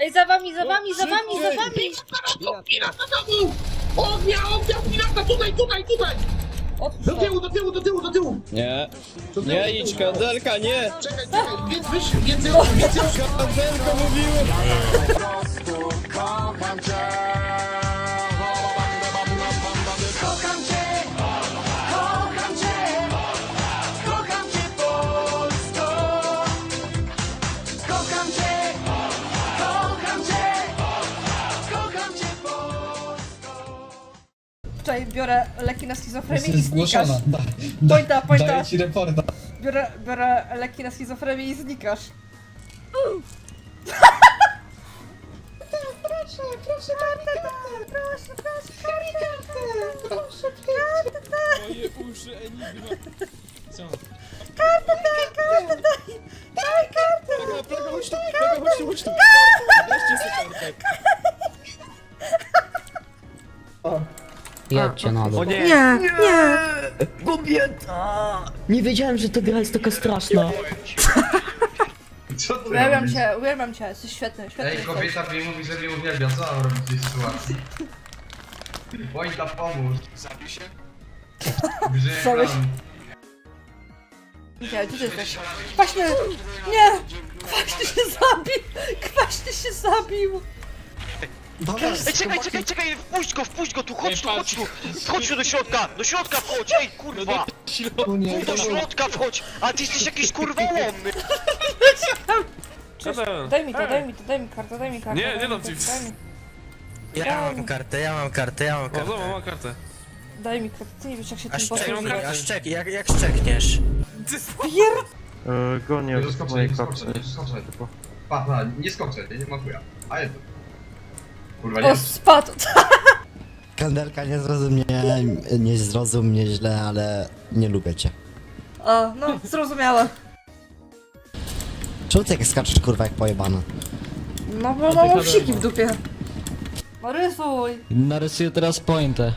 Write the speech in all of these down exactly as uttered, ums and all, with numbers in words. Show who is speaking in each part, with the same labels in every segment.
Speaker 1: Ej, za wami, za wami, za wami, za wami!
Speaker 2: Pirata do domu! Ognia, ognia, pirata, tutaj, tutaj, tutaj! Do tyłu, do tyłu, do tyłu, do tyłu!
Speaker 3: Nie,
Speaker 2: Do tyłu,
Speaker 3: nie idź, kandelka, nie!
Speaker 2: Czekaj, czekaj, więc wyżej, więcej, więcej osób!
Speaker 3: Kandelko mówiłem!
Speaker 4: Kocham cię, kocham cię, kocham cię, kocham cię Polsko. Kocham cię, kocham cię, kocham cię Polsko.
Speaker 1: Wczoraj biorę leki na schizofrenię i
Speaker 5: Jesteś
Speaker 1: znikasz.
Speaker 5: zgłoszona. Da,
Speaker 1: Pointa, pointa.
Speaker 5: Daję ci reporta.
Speaker 1: Biorę, biorę leki na schizofrenię i znikasz. Proszę, proszę, kartę, proszę, proszę, kartę, proszę, kartę,
Speaker 3: Moje uszy, enigma. Co?
Speaker 1: kartę, kartę, daj, daj kartę.
Speaker 3: Plaga, plaga, chodź tu, plaga, chodź tu, chodź tu. Weźcie sobie kartę.
Speaker 6: Jedźcie na dół.
Speaker 1: Nie, nie.
Speaker 6: Kobieta! Nie wiedziałem, że ta gra jest taka straszna.
Speaker 2: Co ty
Speaker 1: Uwielbiam
Speaker 2: robisz?
Speaker 1: cię, uwielbiam cię, jesteś świetny, świetny
Speaker 2: Ej,
Speaker 1: jesteś.
Speaker 2: kobieta mi mówi, że mnie uwielbia, co mam robić w tej sytuacji? Wojta, pomóż. Zabij się.
Speaker 1: Co byś- Gdzie, gdzie ty jesteś? Kwaśny! Nie! Kwaśny się zabił! Kwaśny się zabił!
Speaker 7: Ej, czekaj, czekaj, czekaj, wpuść go, wpuść go tu, chodź tu, chodź tu, chodź tu do środka, do środka wchodź, ej, kurwa,
Speaker 5: O nie,
Speaker 7: do środka wchodź, a ty jesteś jakiś kurwa łomny.
Speaker 1: Cześć, daj mi to, daj mi to, daj mi kartę, daj mi kartę.
Speaker 8: Nie,
Speaker 1: daj
Speaker 8: nie
Speaker 1: mi
Speaker 8: dam
Speaker 1: to,
Speaker 8: ci.
Speaker 1: Daj mi,
Speaker 6: Ja mam kartę, ja mam kartę, ja mam
Speaker 8: O,
Speaker 6: kartę.
Speaker 8: zobacz, mam kartę.
Speaker 1: daj mi kartę, ty nie wiesz jak się
Speaker 6: A
Speaker 1: tym
Speaker 6: szczek,
Speaker 1: posługuje.
Speaker 6: a szczek, jak, jak szczekniesz?
Speaker 1: Pier...
Speaker 9: Gonię
Speaker 2: Nie
Speaker 9: z
Speaker 2: skoczę,
Speaker 9: mojej
Speaker 2: nie
Speaker 9: kapsy.
Speaker 2: skoczę, nie skoczę. Pa, pa, nie skoczę, nie, nie ma chuja. A jedno. Kurwa,
Speaker 1: O,
Speaker 2: nie.
Speaker 1: spadł!
Speaker 10: Kandelka, nie zrozum mnie, nie zrozum mnie źle, ale nie lubię cię.
Speaker 1: O, no, zrozumiałam.
Speaker 10: Czemu ty jak skaczesz kurwa jak pojebana?
Speaker 1: No bo mam psiki w dupie. No rysuj!
Speaker 6: Narysuję teraz pointę.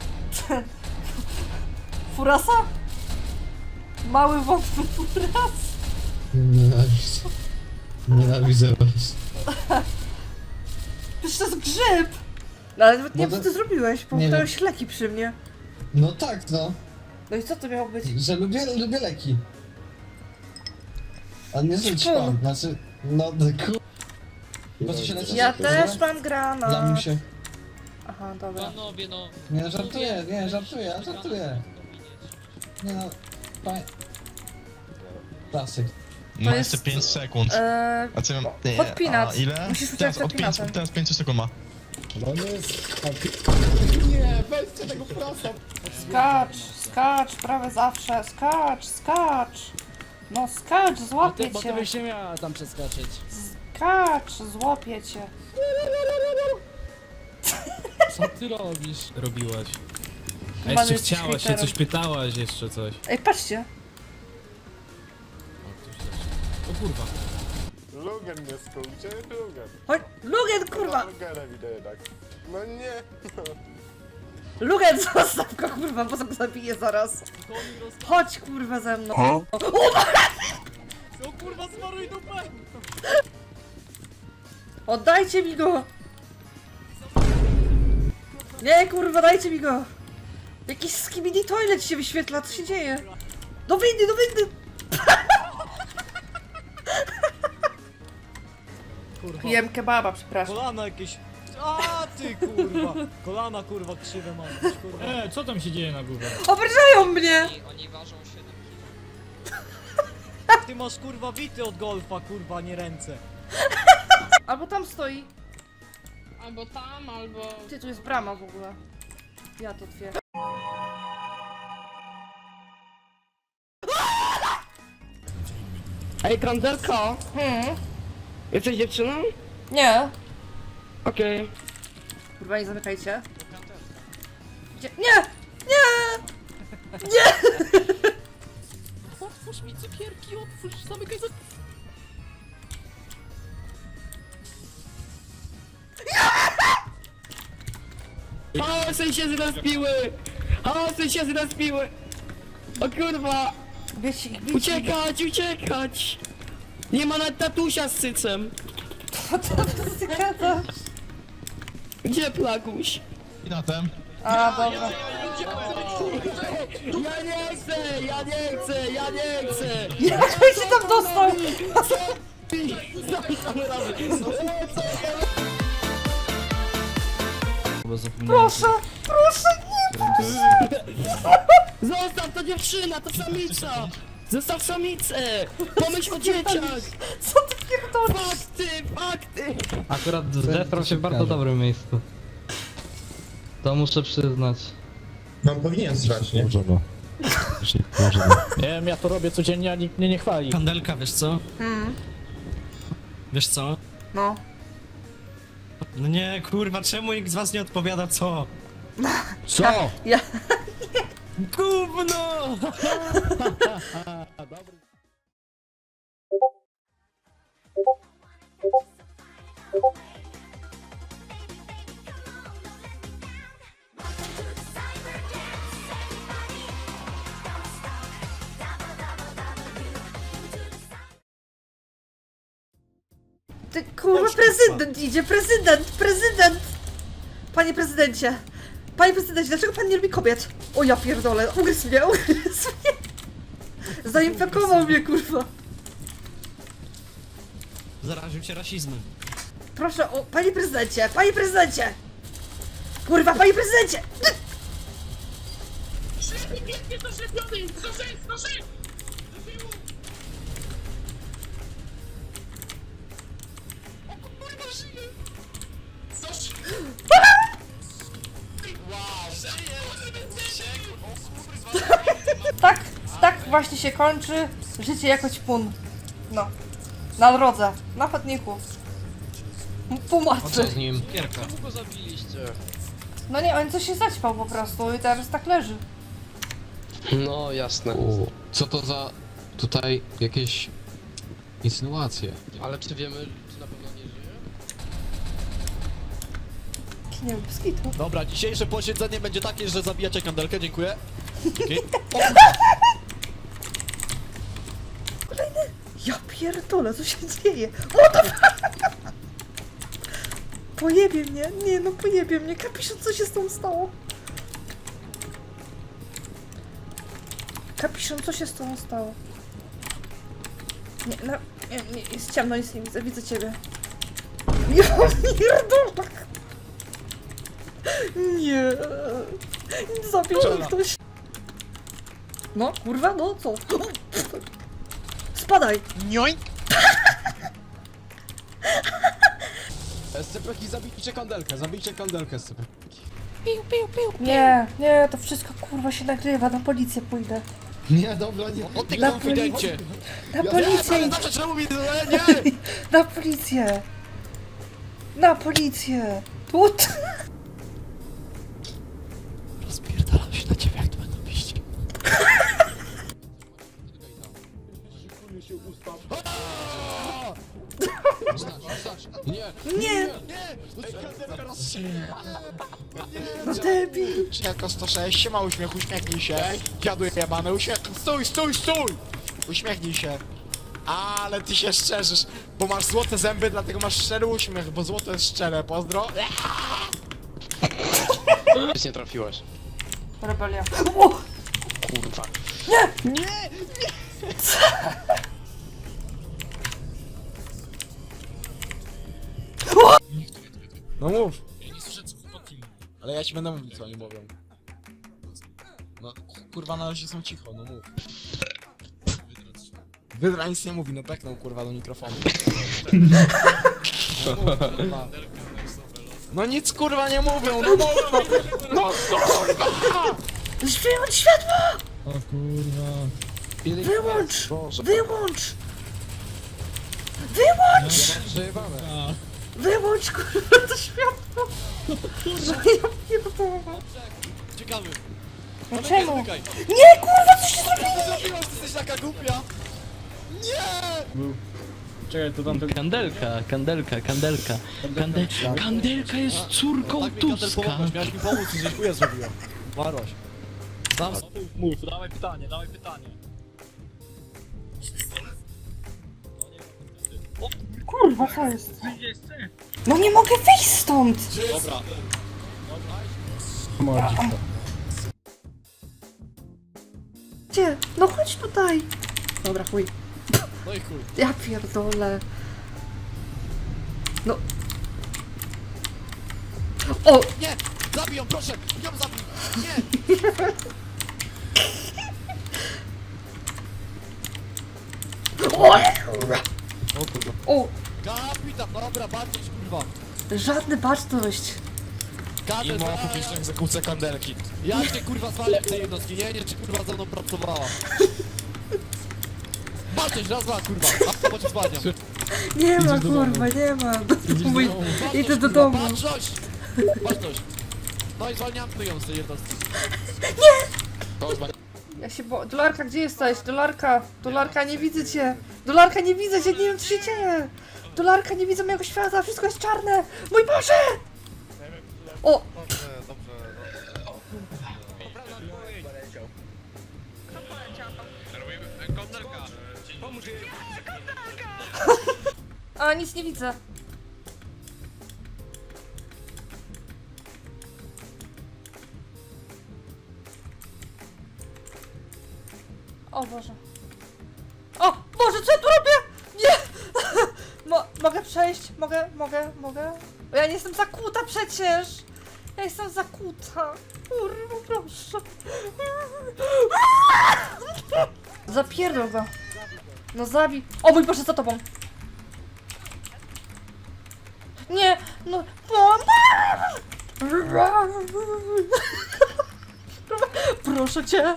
Speaker 1: Furasa? Mały wątły furas?
Speaker 5: Nienawidzę. Nienawidzę was.
Speaker 1: Przecież to jest grzyb! No ale nawet nie wiem
Speaker 5: No
Speaker 1: co
Speaker 5: to-
Speaker 1: ty zrobiłeś,
Speaker 5: nie
Speaker 1: połknąłeś leki przy mnie.
Speaker 5: No tak, no.
Speaker 1: No i co to miało być?
Speaker 5: Że lubię, lubię leki. A nie że
Speaker 1: Ćpu.
Speaker 5: ćpam, znaczy... No, ku... Po co się leczysz?
Speaker 1: Ja też mam granat.
Speaker 5: Lamusie.
Speaker 1: Aha, dobra.
Speaker 3: Panowie, no.
Speaker 5: Nie, żartuję, nie, żartuję, żartuję. Nie no... Pa... Klasyk.
Speaker 1: To jest...
Speaker 9: pięć sekund.
Speaker 1: Eee,
Speaker 9: A co mam?
Speaker 1: podpinać.
Speaker 9: A ile?
Speaker 1: Musisz uciekać
Speaker 9: Teraz
Speaker 1: przed
Speaker 9: od pięć,
Speaker 1: pinatem.
Speaker 9: teraz pięć sekund ma.
Speaker 5: No nie jest...
Speaker 1: Skacz, skacz, prawie zawsze, skacz, skacz. No skacz, złapię
Speaker 6: Bo ty
Speaker 1: cię.
Speaker 6: byś nie miała tam przeskoczyć.
Speaker 1: Skacz, złapię cię.
Speaker 6: Co ty robisz?
Speaker 8: Robiłaś. A
Speaker 1: Chyba
Speaker 8: jeszcze
Speaker 1: jesteś
Speaker 8: chciałaś, się
Speaker 1: hejterem.
Speaker 8: coś pytałaś, jeszcze coś.
Speaker 1: Ej, patrzcie.
Speaker 8: O, ktoś też. O kurwa.
Speaker 9: Logan mnie skrócie, Logan.
Speaker 1: Chodź, Lugen, kurwa!
Speaker 9: Logana widzę jednak. No nie.
Speaker 1: Lugen, zostaw go, kurwa, bo go zabiję zaraz. Chodź, kurwa, ze mną. O,
Speaker 8: O kurwa, zmaruj dupę!
Speaker 1: oddajcie mi go! Nie, kurwa, dajcie mi go! Jakiś skibidi toilet się wyświetla, co się dzieje? Do windy, do windy!
Speaker 8: Kurwa.
Speaker 1: Jem kebaba, przepraszam.
Speaker 8: Kolana jakieś... A ty kurwa! Kolana kurwa krzywe mam, kurwa. E, co tam się dzieje na górze?
Speaker 1: Obrażają mnie!
Speaker 3: Oni ważą siedem
Speaker 8: Ty masz kurwa bity od golfa, kurwa, nie ręce.
Speaker 1: Albo tam stoi.
Speaker 11: Albo tam, albo...
Speaker 1: Ty, tu jest brama w ogóle. Ja to otwieram.
Speaker 6: Ej, kandelka!
Speaker 1: Hmm?
Speaker 6: Jesteś dziewczyną?
Speaker 1: Nie.
Speaker 6: Okej.
Speaker 1: Kurwa, nie zamykajcie. Gdzie? Nie! Nie! Nie!
Speaker 6: Otwórz mi cukierki, otwórz, zamykaj za... Hałasy się zrespiły! Hałasy się zrespiły! O kurwa!
Speaker 1: Wiecie, wiecie.
Speaker 6: Uciekać, uciekać! Nie ma nawet tatusia z cycem!
Speaker 1: Kurwa, to ty gadasz?
Speaker 6: Gdzie Plaguś?
Speaker 9: I na tem.
Speaker 1: A, dobra.
Speaker 6: Ja nie chcę, ja nie chcę, ja nie chcę!
Speaker 1: Jak on się tam dostał? Proszę, proszę, nie!
Speaker 6: Zostaw, to dziewczyna, to samica! Zostaw samicę! Pomyśl o dzieciach!
Speaker 1: Co ty pierdolisz?
Speaker 6: Fakty, fakty!
Speaker 5: Akurat zesrał się w bardzo dobrym miejscu. To muszę przyznać.
Speaker 2: No powinien zrać, nie?
Speaker 10: Może no. Może no.
Speaker 8: Nie wiem, ja to robię codziennie, a nikt mnie nie chwali.
Speaker 3: Kandelka, wiesz co?
Speaker 1: Hmm,
Speaker 3: Wiesz co?
Speaker 1: no.
Speaker 3: No nie, kurwa, czemu nikt z was nie odpowiada co?
Speaker 8: Co?
Speaker 1: Ja...
Speaker 3: Gówno!
Speaker 1: Ty kurwa, prezydent idzie, prezydent, prezydent! Panie prezydencie, panie prezydencie, dlaczego pan nie lubi kobiet? O ja pierdolę, ugryzł mnie, ugryzł mnie! Zainfekował mnie, kurwa.
Speaker 3: Zaraził cię rasizmem.
Speaker 1: Proszę, o, panie prezydencie, panie prezydencie! Kurwa, panie prezydencie!
Speaker 2: Szefie, biegnie do szefionej! Do szef, do szef! Do tyłu! O kurwa, żyje! Do szef!
Speaker 1: Tak, tak właśnie się kończy życie jako ćpun. No. Na drodze, na chodniku. Półmatcy.
Speaker 3: nim? Kierka.
Speaker 7: Czemu go zabiliście?
Speaker 1: No nie, on coś się zaćpał po prostu i teraz tak leży.
Speaker 7: No, jasne.
Speaker 3: Co to za tutaj jakieś insynuacje?
Speaker 7: Ale czy wiemy, czy na pewno nie żyje?
Speaker 1: Nie wiem, skitu.
Speaker 8: Dobra, dzisiejsze posiedzenie będzie takie, że zabijacie kandelkę, dziękuję. Dzięki.
Speaker 1: Ja pierdolę, co się dzieje? O to... Pojebie mnie, nie no pojebie mnie, kapiszon, co się z tą stało? Kapiszon, co się z tą stało? Nie, no, nie, nie, jest ciemno, nic nie widzę, widzę ciebie. Ja pierdolę! Nie, zabił mnie ktoś. No, kurwa, no co? Spadaj!
Speaker 7: Nioń!
Speaker 3: Scypek i zabijcie kandelkę, zabijcie kandelkę, Scypek.
Speaker 1: Nie, nie, to wszystko kurwa się nagrywa, na policję pójdę.
Speaker 3: Nie, dobra, nie.
Speaker 8: O ty
Speaker 1: Na
Speaker 8: konfidencie!
Speaker 1: Na policję,
Speaker 8: Ale zawsze czemu mi nie!
Speaker 1: na policję! Na policję! Tu!
Speaker 3: Rozpierdalam się na ciebie, jak to będą piść. Nie!
Speaker 1: Nie! No debil!
Speaker 2: Jako sto sześć, siema uśmiech, uśmiechnij się. Dziadu jebany, uśmiech... Stój, stój, stój! Uśmiechnij się. Ale ty się szczerzysz, bo masz złote zęby, dlatego masz szczery uśmiech, bo złoto jest szczere, pozdro.
Speaker 7: Nic nie trafiłeś.
Speaker 1: Rebelia. O!
Speaker 7: Kurwa.
Speaker 2: No mów. Ale ja ci będę mówić, co oni mówią. No kurwa, na razie są cicho, no mów. Wydra nic nie mówi, no peknął kurwa do mikrofonu. No, mów, kurwa. No nic kurwa nie mówią, no mów, no, no kurwa!
Speaker 1: Wyłącz światło!
Speaker 3: O kurwa.
Speaker 1: Wyłącz! Wyłącz! Wyłącz!
Speaker 3: Przejebane.
Speaker 1: Wyłącz kurwa to światło! No ja pierdolę.
Speaker 8: Ciekawy.
Speaker 1: No czemu?
Speaker 8: Zamykaj.
Speaker 1: Nie kurwa, co się zrobiło?
Speaker 8: Co zrobiłaś? Ty jesteś taka głupia!
Speaker 5: Czekaj, to tam Kandelka, kandelka, kandelka. Kande... Kandelka jest córką
Speaker 8: Tak mi kandelką
Speaker 5: Tuska.
Speaker 8: pomogłeś, miałeś mi pomóc i żeś chuja zrobiła. Warłaś. Sam mów, dawaj pytanie, dawaj pytanie. O,
Speaker 1: Kurwa, co jest? No nie mogę wyjść stąd!
Speaker 2: Dobra.
Speaker 1: Gdzie? No chodź tutaj! Dobra, chuj.
Speaker 2: No i chuj.
Speaker 1: Ja pierdolę. No. O!
Speaker 2: Nie! Zabij ją, proszę! Ją zabij! Nie!
Speaker 1: O!
Speaker 2: Kapitan, dobra, bardzo kurwa.
Speaker 1: Żadna baczność.
Speaker 2: Kadę I ma publiczną egzekucję kandelki. Ja cię kurwa zwalę w tej jednostki, nie wiem czy kurwa ze mną pracowała. Baczność, raz, dwa kurwa, a po cię zwalniam.
Speaker 1: Nie ma, kurwa, nie ma. Mój... Idę do domu.
Speaker 2: Baczność! Baczność! No i zwalniamy ją z tej jednostki.
Speaker 1: Ja się bo... Dolarka, gdzie jesteś? Dolarka! Dolarka, nie widzę cię! Dolarka, nie widzę cię, nie wiem co się dzieje! Dolarka, nie widzę mojego świata, wszystko jest czarne! Mój Boże! O! A, nic nie widzę. O Boże. O Boże, co ja tu robię? Nie! Mo mogę przejść? Mogę, mogę, mogę? Bo ja nie jestem zakuta przecież! Ja jestem zakuta. Kurwa, proszę. Zapierdol go. No zabij. O mój Boże, za tobą. Nie, no... Proszę cię.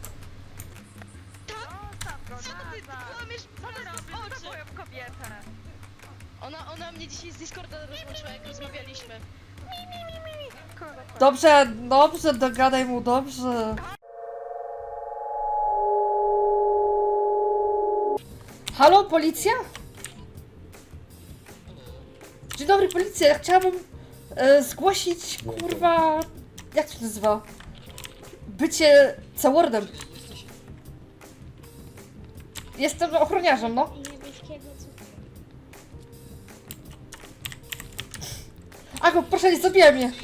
Speaker 11: Ona, ona mnie dzisiaj z Discorda rozłączyła, jak rozmawialiśmy.
Speaker 1: Dobrze, dobrze, dogadaj mu, dobrze. Halo, policja? Dzień dobry, policja, ja chciałabym e, zgłosić, kurwa, jak to się nazywa? Bycie C-wordem. Jestem ochroniarzem, no. Ako, proszę, nie zabijaj mnie.